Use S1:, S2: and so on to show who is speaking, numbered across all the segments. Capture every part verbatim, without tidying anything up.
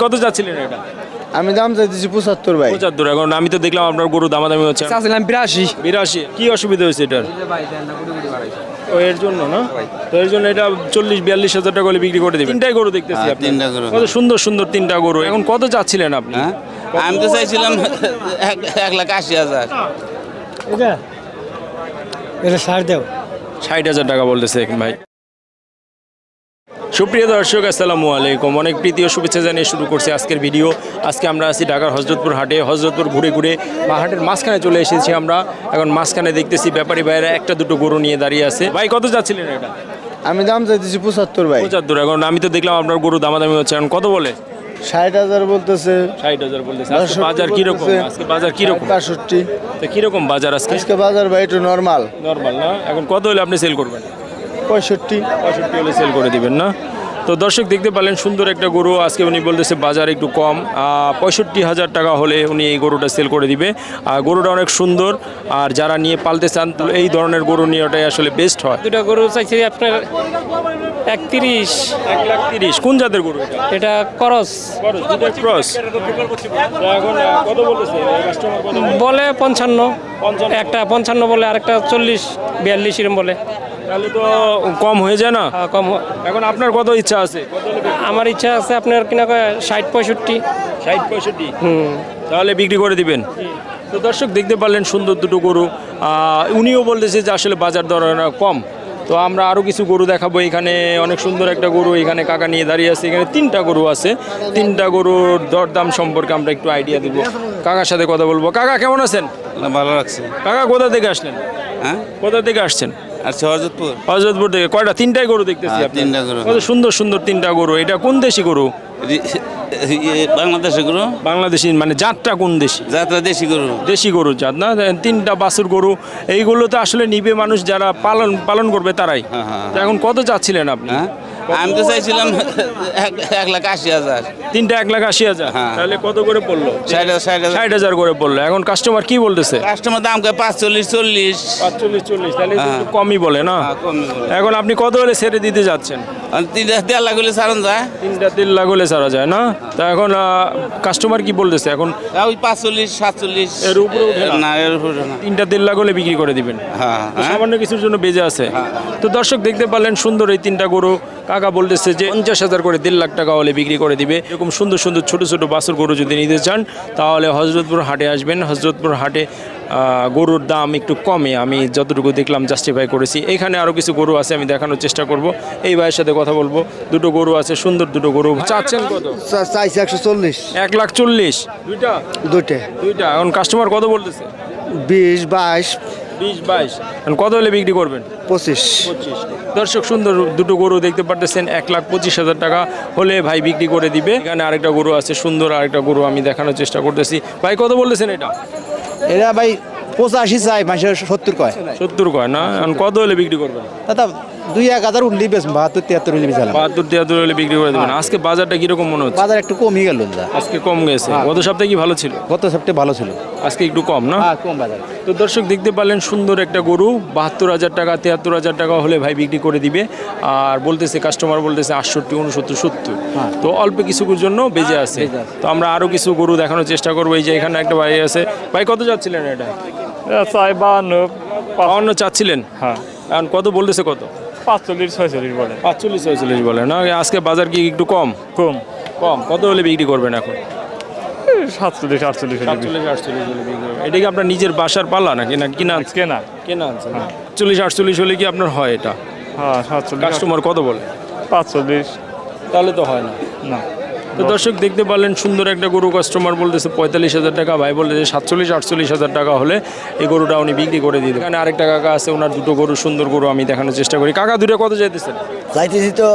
S1: কত যাচ্ছিলেন এটা?
S2: আমি দাম চাইতেছি পঁচাত্তর ভাই।
S1: পঁচাত্তর। এখন আমি তো দেখলাম আপনার গরু দামাদামি হচ্ছে।
S3: চাচ্ছিলাম বিরাশি।
S1: বিরাশি। কি অসুবিধা হয়েছে এটার? ও এর জন্য না, তো এর জন্য এটা চল্লিশ বিয়াল্লিশ হাজার টাকা হলে বিক্রি করে দিবেন। তিনটাই গরু দেখতেছি আপনি।
S4: তিনটা গরু।
S1: কত সুন্দর সুন্দর তিনটা গরু। এখন কত চাচ্ছিলেন আপনি?
S4: হ্যাঁ আমি তো চাইছিলাম এক- এক লাখ আশি হাজার।
S3: এটা এটা সার দেও।
S1: ষাট হাজার টাকা বলতেছে ভাই। সুপ্রিয় দর্শক আসসালামু আলাইকুম, অনেক প্রীতি ও শুভেচ্ছা জানিয়ে শুরু করছি আজকের ভিডিও। আজকে আমরা আছি ঢাকার হযরতপুর হাটে। হযরতপুর ঘুরে ঘুরে বা হাটের মাঝখানে চলে এসেছি আমরা। এখন মাঝখানে দেখতেছি ব্যাপারী ভাইয়েরা একটা দুটো গরু নিয়ে দাঁড়িয়ে আছে। ভাই কত যাচ্ছিলেন এটা?
S2: আমি দাম চাইতেছি পঁচাত্তর ভাই।
S1: পঁচাত্তর। এখন আমি তো দেখলাম আপনার গরু দামাদামি হচ্ছে। এখন কত বলে?
S2: ষাট হাজার বলতেছে।
S1: ষাট হাজার বলতেছে। আজকে বাজার কিরকম? আজকে বাজার কিরকম?
S2: বাষট্টি।
S1: তো কিরকম বাজার আজকে?
S2: আজকে বাজার ভাই একটু নর্মাল।
S1: নর্মাল না? এখন কত হলে আপনি সেল করবেন?
S2: পঁয়ষট্টি।
S1: পঁয়ষট্টি হলে সেল করে দিবেন না? তো দর্শক দেখতে পারলেন সুন্দর একটা গরু। আজকে উনি বলতেছে বাজার একটু কম, পঁয়ষট্টি হাজার টাকা হলে উনি এই গরুটা সেল করে দিবে। আর গরুটা অনেক সুন্দর, আর যারা নিয়ে পালতে চান তো এই ধরনের গরু নিয়ে ওটাই আসলে বেস্ট হয়।
S5: দুটা গরু চাইছি আপনার একত্রিশ।
S1: এক লাখ তিরিশ। কোন জাতের গরু এটা?
S5: এটা করস
S1: ক্রস। এখন কত বলতেছে কাস্টমার? কত
S5: বলে পঞ্চান্ন।
S1: পঞ্চান্ন।
S5: একটা পঞ্চান্ন বলে, আরেকটা চল্লিশ বিয়াল্লিশ এরম বলে।
S1: তাহলে তো কম হয়ে যায় না?
S5: হ্যাঁ, কম হয়।
S1: এখন আপনার কত ইচ্ছা আছে?
S5: আমার ইচ্ছা আছে আপনার কিনা কয় ষাট পঁয়ষট্টি।
S1: ষাট পঁয়ষট্টি।
S5: হুম
S1: তাহলে বিক্রি করে দিবেন। তো দর্শক দেখতে পারলেন সুন্দর দুটো গরু। আহ, উনিও বলতেছে যে আসলে বাজার দর কম। তো আমরা আরও কিছু গরু দেখাবো। এখানে অনেক সুন্দর একটা গরু এখানে কাকা নিয়ে দাঁড়িয়ে আছে। এখানে তিনটা গরু আছে। তিনটা গরুর দরদাম সম্পর্কে আমরা একটু আইডিয়া দিব। কাকার সাথে কথা বলবো। কাকা কেমন আছেন?
S4: ভালো লাগছে।
S1: কাকা কোথা থেকে আসলেন?
S4: হ্যাঁ
S1: কোথা থেকে আসছেন?
S4: আচ্ছা হরজতপুর।
S1: হযরতপুর থেকে। কয়টা? তিনটাই গরু দেখতেছি
S4: হ্যাঁ,
S1: আপনি।
S4: তিনটা গরু।
S1: কত সুন্দর সুন্দর তিনটা গরু। এটা কোন দেশি গরু?
S4: বাংলাদেশে গরু।
S1: বাংলাদেশি মানে জাতটা কোন দেশি?
S4: যাত্রা দেশি গরু।
S1: দেশি গরুর জাত না? তিনটা বাছুর গরু। এইগুলো তো আসলে নিবে মানুষ যারা পালন পালন করবে তারাই।
S4: হ্যাঁ, হ্যাঁ।
S1: তো এখন কত চাচ্ছিলেন আপনি?
S4: হ্যাঁ আমি তো চাইছিলাম এক- এক লাখ আশি হাজার।
S1: তিনটা এক লাখ আশি হাজার।
S4: হ্যাঁ।
S1: তাহলে কত করে পড়লো?
S4: ষাট হাজার ষাট হাজার।
S1: ষাট হাজার করে পড়লো। এখন কাস্টমার কি বলতেছে?
S4: কাস্টমার দাম কয় পাঁচচল্লিশ চল্লিশ।
S1: পাঁচচল্লিশ চল্লিশ। তাহলে
S4: হ্যাঁ।
S1: একটু কমই বলে না?
S4: হ্যাঁ, কমই বলে।
S1: এখন আপনি কত হলে ছেড়ে দিতে যাচ্ছেন?
S4: আর তিনটা দেড় লাখ হলে সারণ যায়।
S1: তিনটা তিন লাখ হলে ছাড়া যায় না? তা এখন কাস্টমার কি বলতেছে এখন?
S4: তা ওই পাঁচচল্লিশ সাতচল্লিশ।
S1: এর উপরে উঠে না?
S4: না এর উপরে না।
S1: তিনটা তিন লাখ হলে বিক্রি করে দিবেন।
S4: হ্যাঁ
S1: তো
S4: হ্যাঁ।
S1: সামান্য কিছুর জন্য বেজে আছে। তো দর্শক দেখতে পারলেন সুন্দর এই তিনটা গরু। কাকা বলতেছে যে পঞ্চাশ হাজার করে দেড় লাখ টাকা হলে বিক্রি করে দিবে। এরকম সুন্দর সুন্দর ছোট ছোট বাছুর গরু যদি নিতে চান তাহলে হযরতপুর হাটে আসবেন। হযরতপুর হাটে আহ, গরুর দাম একটু কমে আমি যতটুকু দেখলাম জাস্টিফাই করেছি। এখানে আরও কিছু গরু আছে, আমি দেখানোর চেষ্টা করব। এই ভাইয়ের সাথে কথা বলবো। দুটো গরু আছে, সুন্দর দুটো গরু। চাচ্ছেন কত?
S2: চাইছি একশো চল্লিশ।
S1: এক লাখ চল্লিশ। দুইটা
S2: দুইটে।
S1: দুইটা। এখন কাস্টমার কত বলতেছে?
S2: বিশ বাইশ
S1: বিশ বাইশ। এখন কত হলে বিক্রি করবেন?
S2: পঁচিশ।
S1: পঁচিশ। দর্শক সুন্দর দুটো গরু দেখতে পারতেছেন। এক লাখ পঁচিশ হাজার টাকা হলে ভাই বিক্রি করে দিবে। এখানে আরেকটা গরু আছে, সুন্দর আরেকটা গরু আমি দেখানোর চেষ্টা করতেছি। ভাই কত বলতেছেন এটা?
S2: এরা ভাই পঁচাশি চাই, মানুষের সত্তর কয়।
S1: সত্তর কয় না? এখন কত হলে বিক্রি করবেন?
S2: দাদা দুই এক হাজার উঠলি বেশ, বাহাত্তর তিয়াত্তর উঠলি বেশ।
S1: বাহাত্তর তিয়াত্তর হলে বিক্রি করে দেবেন। আজকে বাজারটা কিরকম মনে হচ্ছে?
S2: বাজার একটু কমই গেল দাদা।
S1: আজকে কম গেছে। গত সপ্তাহে কি ভালো ছিল?
S2: গত সপ্তাহে ভালো ছিল,
S1: আজকে একটু কম না?
S2: হ্যাঁ কম বাজার।
S1: তো দর্শক দেখতে পারলেন সুন্দর একটা গরু। বাহাত্তর হাজার টাকা তিয়াত্তর হাজার টাকা হলে ভাই বিক্রি করে দিবে। আর বলতেছে কাস্টমার বলতেছে আটষট্টি উনসত্তর সত্তর। তো অল্প কিছুর জন্য বেজে আছে। তো আমরা আরও কিছু গরু দেখানোর চেষ্টা করবো। এই যে এখানে একটা ভাই আছে। ভাই কত যাচ্ছিলেন এটা?
S5: চাই বাহান্ন।
S1: বাউন্ন চাচ্ছিলেন?
S5: হ্যাঁ
S1: এখন কত বলতেছে? কত?
S5: পাঁচচল্লিশ ছয়চল্লিশ বলে।
S1: পাঁচচল্লিশ ছয়চল্লিশ বলে না? আজকে বাজার কি একটু কম?
S5: কম।
S1: কম। কত হলে বিক্রি করবেন এখন?
S5: সাতচল্লিশ আটচল্লিশ
S1: সাতচল্লিশ আটচল্লিশ হলে বিক্রি করবেন। এটা কি আপনার নিজের বাসার পালা নাকি না কিনা?
S5: কেনা।
S1: কেনা আনছেন? চল্লিশ আটচল্লিশ হলে কি আপনার হয় এটা?
S5: হ্যাঁ সাতচল্লিশ।
S1: কাস্টমার কত বলে?
S5: পাঁচচল্লিশ।
S1: তাহলে তো হয় না।
S5: না।
S1: তো দর্শক দেখতে পারলেন সুন্দর একটা গরু। কাস্টমার বলতেছে পঁয়তাল্লিশ হাজার টাকা, ভাই বলতেছে সাতচল্লিশ আটচল্লিশ হাজার টাকা হলে এই গরুটা উনি বিক্রি করে দিতে। এখানে আরেকটা কাকা আছে, ওনার দুটো গরু, সুন্দর গরু আমি দেখানোর চেষ্টা করি। কাকা দুটো কত চাইতেছেন?
S2: চাইতেছি তো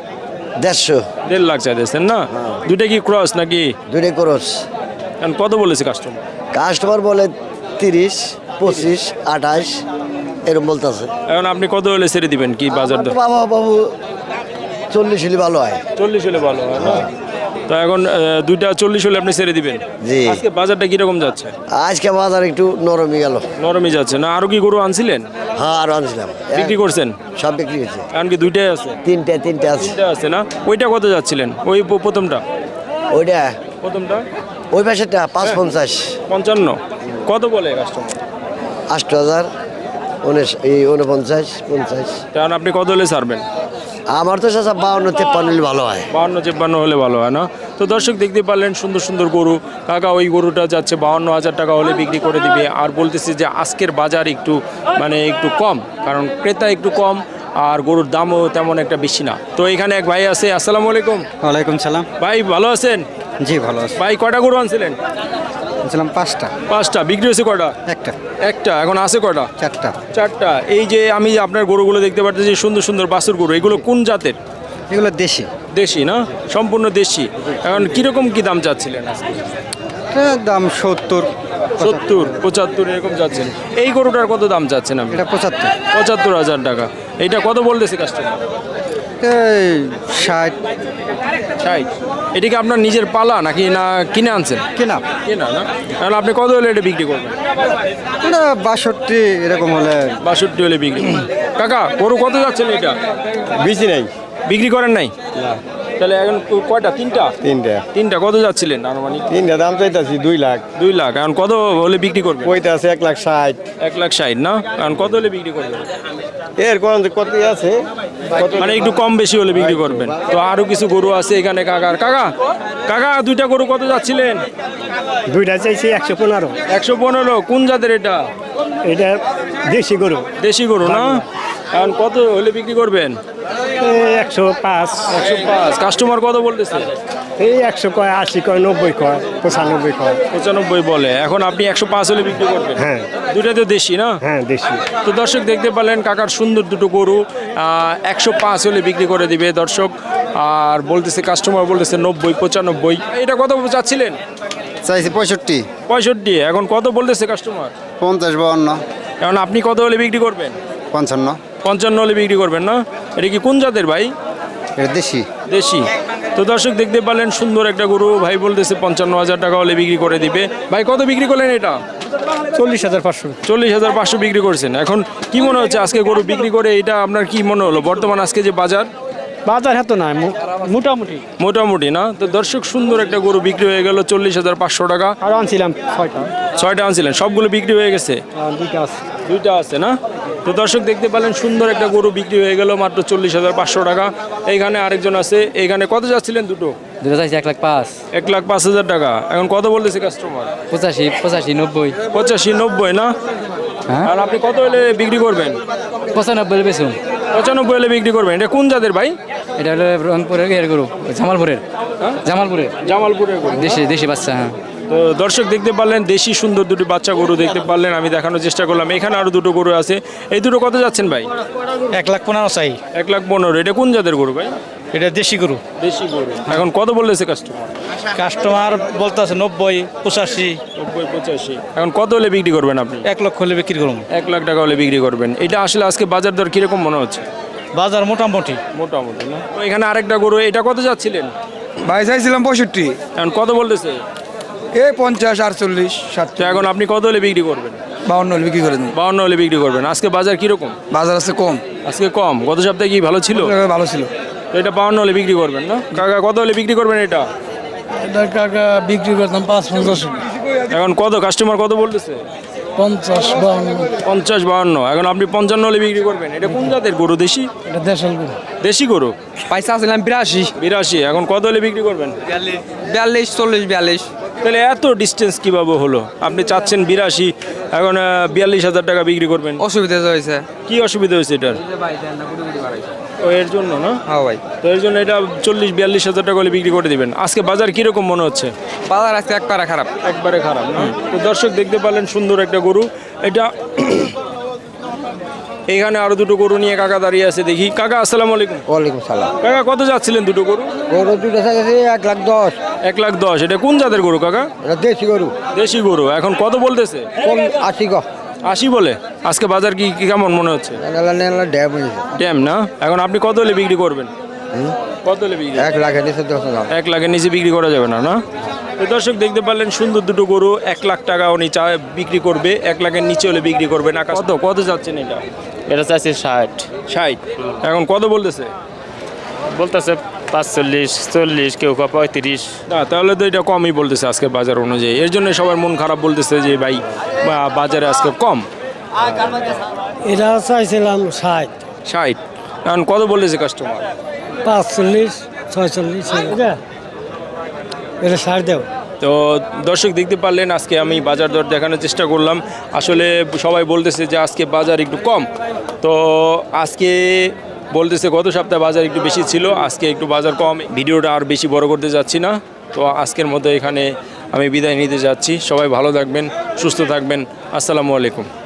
S2: দেড়শো।
S1: দেড় লাখ চাইতেছেন না? দুটা কি ক্রস নাকি?
S2: দুইটাই করস।
S1: এখন কত বলেছে কাস্টমার?
S2: কাস্টমার বলে তিরিশ পঁচিশ আঠাশ এরকম বলতেছে।
S1: এখন আপনি কত হলে ছেড়ে দিবেন? কি বাজার দর?
S2: বাবা বাবু চল্লিশ হলে ভালো হয়।
S1: চল্লিশ হলে ভালো হয় না? তো এখন আহ, দুইটা চল্লিশ হলে আপনি ছেড়ে দিবেন।
S2: জি।
S1: আজকে বাজারটা কিরকম যাচ্ছে?
S2: আজকে বাজার একটু নরমই গেল।
S1: নরমই যাচ্ছে না? আরো কি গরু আনছিলেন?
S2: হ্যাঁ আরো আনছিলাম,
S1: বিক্রি করছেন?
S2: সব বিক্রি হয়েছে।
S1: এখন কি দুইটাই আছে?
S2: তিনটে তিনটে আছে।
S1: তিনটা আছে না? ওইটা কত যাচ্ছিলেন? ওই প- প্রথমটা
S6: ওইটা
S1: প্রথমটা
S6: ওই পাশেরটা পাঁচ পঞ্চাশ
S1: পঞ্চান্ন কত বলে কাস্টমার?
S6: আষ্ট হাজার উনিশ এই উনপঞ্চাশ পঞ্চাশ।
S1: কারণ আপনি কত হলে ছাড়বেন?
S6: আমার তো চাচা বাউন্ন তেপ্পান্ন হলে ভালো হয়।
S1: বাহান্ন চেপ্পান্ন হলে ভালো হয় না? তো দর্শক দেখতে পারলেন সুন্দর সুন্দর গরু। কাকা ওই গরুটা যাচ্ছে বাহান্ন হাজার টাকা হলে বিক্রি করে দিবে। আর বলতেছি যে আজকের বাজার একটু মানে একটু কম, কারণ ক্রেতা একটু কম আর গরুর দামও তেমন একটা বেশি না। তো এখানে এক ভাই আছে, আসসালামু আলাইকুম।
S3: ওয়ালাইকুম সালাম।
S1: ভাই ভালো আছেন?
S3: জি ভালো আছি।
S1: ভাই কয়টা গরু আনছিলেন?
S3: বলছিলাম পাঁচটা।
S1: পাঁচটা। বিক্রি হয়েছে কয়টা?
S3: একটা।
S1: একটা। এখন আছে কয়টা?
S3: চারটা।
S1: চারটা। এই যে আমি যে আপনার গরুগুলো দেখতে পাচ্ছি সুন্দর সুন্দর বাছুর গরু, এগুলো কোন জাতের?
S3: এগুলো দেশি।
S1: দেশি না? সম্পূর্ণ দেশি। এখন কিরকম কি দাম চাচ্ছিলেন আজকে?
S3: এটার দাম সত্তর
S1: সত্তর পঁচাত্তর এরকম যাচ্ছেন। এই গরুটার কত দাম চাচ্ছেন আপনি?
S3: এটা পঁচাত্তর।
S1: পঁচাত্তর হাজার টাকা। এইটা কত বলতেছে কাস্টমার?
S3: এই ষাট।
S1: ষাট। এটা কি আপনার নিজের পালা নাকি না কিনে আনছেন?
S3: কেনা।
S1: কেনা না? কারণ আপনি কত হলে এটা বিক্রি করবেন?
S3: এটা বাষট্টি এরকম হলে।
S1: বাষট্টি হলে বিক্রি করবেন। কাকা গরু কত যাচ্ছেন এটা?
S2: বেশি নাই।
S1: বিক্রি করেন নাই? তাহলে এখন কয়টা? তিনটা।
S2: তিনটা।
S1: তিনটা কত যাচ্ছিলেন আনুমানিক?
S2: তিনটা দাম চাইতেছি দুই লাখ।
S1: দুই লাখ। এখন কত হলে বিক্রি করবেন?
S2: ওইটা আছে এক লাখ ষাট।
S1: এক লাখ ষাট না? এখন কত হলে বিক্রি করবেন?
S2: এর কোন কত আছে?
S1: মানে একটু কম বেশি হলে বিক্রি করবেন। তো আরো কিছু গরু আছে এখানে কাকার। কাকা কাকা দুইটা গরু কত যাচ্ছিলেন?
S3: দুইটা চাইছি একশো পনেরো।
S1: একশো পনেরো। কোন জাতের এটা?
S3: এটা দেশি গরু।
S1: দেশি গরু না? এখন কত হলে বিক্রি করবেন?
S3: একশো পাঁচ।
S1: একশো পাঁচ। কাস্টমার কত বলতেছে?
S3: এই একশো কয়, আশি কয়, নব্বই কয়, পঁচানব্বই কয়।
S1: পঁচানব্বই বলে। এখন আপনি একশো পাঁচ হলে বিক্রি করবেন?
S3: হ্যাঁ।
S1: দুইটা তো দেশি না?
S3: হ্যাঁ দেশি।
S1: তো দর্শক দেখতে পারলেন কাকার সুন্দর দুটো গরু একশো পাঁচ হলে বিক্রি করে দিবে দর্শক। আর বলতেছে কাস্টমার বলতেছে নব্বই পঁচানব্বই। এটা কত চাচ্ছিলেন?
S2: চাইছি পঁয়ষট্টি।
S1: পঁয়ষট্টি। এখন কত বলতেছে কাস্টমার?
S2: পঞ্চাশ বাউন্ন।
S1: এখন আপনি কত হলে বিক্রি করবেন?
S2: পঞ্চান্ন।
S1: পঞ্চান্ন হলে বিক্রি করবেন না? এটা কি কোন জাতের ভাই?
S2: এটা দেশি।
S1: দেশি। তো দর্শক দেখতে পারলেন সুন্দর একটা গরু। ভাই বলতেছে পঞ্চান্ন হাজার টাকা হলে বিক্রি করে দিবে। ভাই কত বিক্রি করলেন এটা?
S3: চল্লিশ হাজার পাঁচশো।
S1: চল্লিশ হাজার পাঁচশো বিক্রি করছেন। এখন কি মনে হচ্ছে আজকে গরু বিক্রি করে এটা আপনার কি মনে হলো বর্তমান আজকে যে বাজার?
S3: বাজার এত নাই, মোটামুটি।
S1: মোটামুটি না? তো দর্শক সুন্দর একটা গরু বিক্রি হয়ে গেল চল্লিশ হাজার পাঁচশো টাকা।
S3: আরো আনছিলাম ছয়টা।
S1: ছয়টা আনছিলেন, সবগুলো বিক্রি হয়ে গেছে?
S3: দুইটা আছে।
S1: দুইটা আছে না? তো দর্শক দেখতে পারলেন সুন্দর একটা গরু বিক্রি হয়ে গেল মাত্র চল্লিশ হাজার পাঁচশো টাকা। এইখানে আরেকজন আছে। এইখানে কত যাচ্ছিলেন দুটো?
S5: দুটো চাইছি এক লাখ পাঁচ।
S1: এক লাখ পাঁচ হাজার টাকা। এখন কত বলতেছে কাস্টমার?
S5: পঁচাশি পঁচাশি নব্বই।
S1: পঁচাশি নব্বই না?
S5: হ্যাঁ।
S1: আর আপনি কত হলে বিক্রি করবেন?
S5: পঁচানব্বই বেচুন।
S1: পঁচানব্বই হলে বিক্রি করবেন। এটা কোন জাতের ভাই?
S5: এটা হলো রংপুরের এর গরু, জামালপুরের। জামালপুরের
S1: জামালপুরের গরু।
S5: দেশি দেশি বাচ্চা। হ্যাঁ।
S1: তো দর্শক দেখতে পারলেন দেশি সুন্দর দুটি বাচ্চা গরু দেখতে পারলেন। আমি দেখানোর চেষ্টা করলাম। এখানে আরো দুটো গরু আছে। এই দুটো কত যাচ্ছেন ভাই?
S3: এক লাখ পনেরো চাই।
S1: এক লাখ পনেরো। এটা কোন জাতের গরু ভাই?
S3: এটা দেশি গরু।
S1: দেশি গরু। এখন কত বলতেছে কাস্টমার?
S3: কাস্টমার বলতে আছে নব্বই পঁচাশি।
S1: নব্বই পঁচাশি। এখন কত হলে বিক্রি করবেন আপনি?
S3: এক লক্ষ হলে বিক্রি করুন।
S1: এক লাখ টাকা হলে বিক্রি করবেন। এটা আসলে আজকে বাজার দর কিরকম মনে হচ্ছে?
S3: বাজার মোটামুটি।
S1: মোটামুটি না? তো এখানে আরেকটা গরু, এটা কত যাচ্ছিলেন?
S2: ভাই চাইছিলাম পঁয়ষট্টি।
S1: এখন কত বলতেছে?
S2: এই পঞ্চাশ আটচল্লিশ ষাট।
S1: তো এখন আপনি কত হলে বিক্রি করবেন?
S2: বাউন্ন হলে বিক্রি করে দিন।
S1: বাউন্ন হলে বিক্রি করবেন। আজকে বাজার কিরকম?
S2: বাজার আছে কম।
S1: আজকে কম। গত সপ্তাহে কি ভালো ছিল?
S2: ভালো ছিল।
S1: তো এটা বাউন্ন হলে বিক্রি করবেন না? কাকা কত হলে বিক্রি করবেন এটা?
S3: এটা কাকা বিক্রি করতাম পাঁচ পঞ্চাশ।
S1: এখন কত কাস্টমার কত বলতেছে?
S3: পঞ্চাশ বাউন্ন।
S1: পঞ্চাশ বাউন্ন। এখন আপনি পঞ্চান্ন হলে বিক্রি করবেন। এটা কোন জাতের গরু? দেশি?
S3: এটা দেশাল গরু।
S1: দেশি গরু।
S3: পয়সা ছিলাম বিরাশি।
S1: বিরাশি। এখন কত হলে বিক্রি করবেন?
S3: বিয়াল্লিশ চল্লিশ বিয়াল্লিশ।
S1: তাহলে এত ডিস্টেন্স কিভাবে হলো? আপনি চাচ্ছেন বিরাশি, এখন বিয়াল্লিশ হাজার টাকা বিক্রি করবেন।
S3: অসুবিধা হয়েছে।
S1: কি অসুবিধা হয়েছে এটার? ও এর জন্য না?
S3: হ্যাঁ ভাই।
S1: তো এর জন্য এটা চল্লিশ বিয়াল্লিশ হাজার টাকা হলে বিক্রি করে দিবেন। আজকে বাজার কিরকম মনে হচ্ছে?
S3: বাজার আজকে একবারে খারাপ।
S1: একবারে খারাপ না? তো দর্শক দেখতে পারলেন সুন্দর একটা গরু। এটা এখানে আরো দুটো গরু নিয়ে কাকা দাঁড়িয়ে আছে। দেখি কাকা আসসালামু আলাইকুম।
S6: ওয়ালাইকুম সালাম।
S1: কাকা কত যাচ্ছিলেন দুটো গরু?
S6: গরু দুটো চাইছি এক লাখ দশ।
S1: এক লাখ দশ। এটা কোন জাতের গরু কাকা?
S6: এটা দেশি গরু।
S1: দেশি গরু। এখন কত বলতেছে?
S6: কোন আশি গো।
S1: আশি বলে। আজকে বাজার কি কি কেমন মনে হচ্ছে?
S6: ড্যাম হয়েছে।
S1: ড্যাম না? এখন আপনি কত হলে বিক্রি করবেন? কত হলে বিক্রি?
S6: এক লাখের নিচে দশ হাজার।
S1: এক লাখের নিচে বিক্রি করা যাবে না? না? তো দর্শক দেখতে পারলেন সুন্দর দুটো গরু এক লাখ টাকা উনি চা বিক্রি করবে। এক লাখের নিচে হলে বিক্রি করবে না। কত কত যাচ্ছেন এটা?
S5: এটা চাইছি ষাট।
S1: ষাট। এখন কত বলতেছে?
S5: বলতেছে
S7: পাঁচচল্লিশ চল্লিশ কেউ বা পঁয়ত্রিশ।
S1: না তাহলে তো এটা কমই বলতেছে আজকে বাজার অনুযায়ী, এর জন্য সবার মন খারাপ বলতেছে যে ভাই বা বাজারে আজকে কম।
S3: এটা চাইছিলাম ষাট
S1: ষাট এখন কত বলেছে কাস্টমার?
S3: পাঁচচল্লিশ ছয়চল্লিশ এটা ষাট দেও।
S1: তো দর্শক দেখতে পারলেন আজকে আমি বাজার দর দেখানোর চেষ্টা করলাম। আসলে সবাই বলতেছে যে আজকে বাজার একটু কম, তো আজকে বলতেছে গত সপ্তাহে বাজার একটু বেশি ছিল, আজকে একটু বাজার কম। ভিডিওটা আর বেশি বড় করতে যাচ্ছি না, তো আজকের মতো এখানে আমি বিদায় নিতে যাচ্ছি। সবাই ভালো থাকবেন, সুস্থ থাকবেন। আসসালামু আলাইকুম।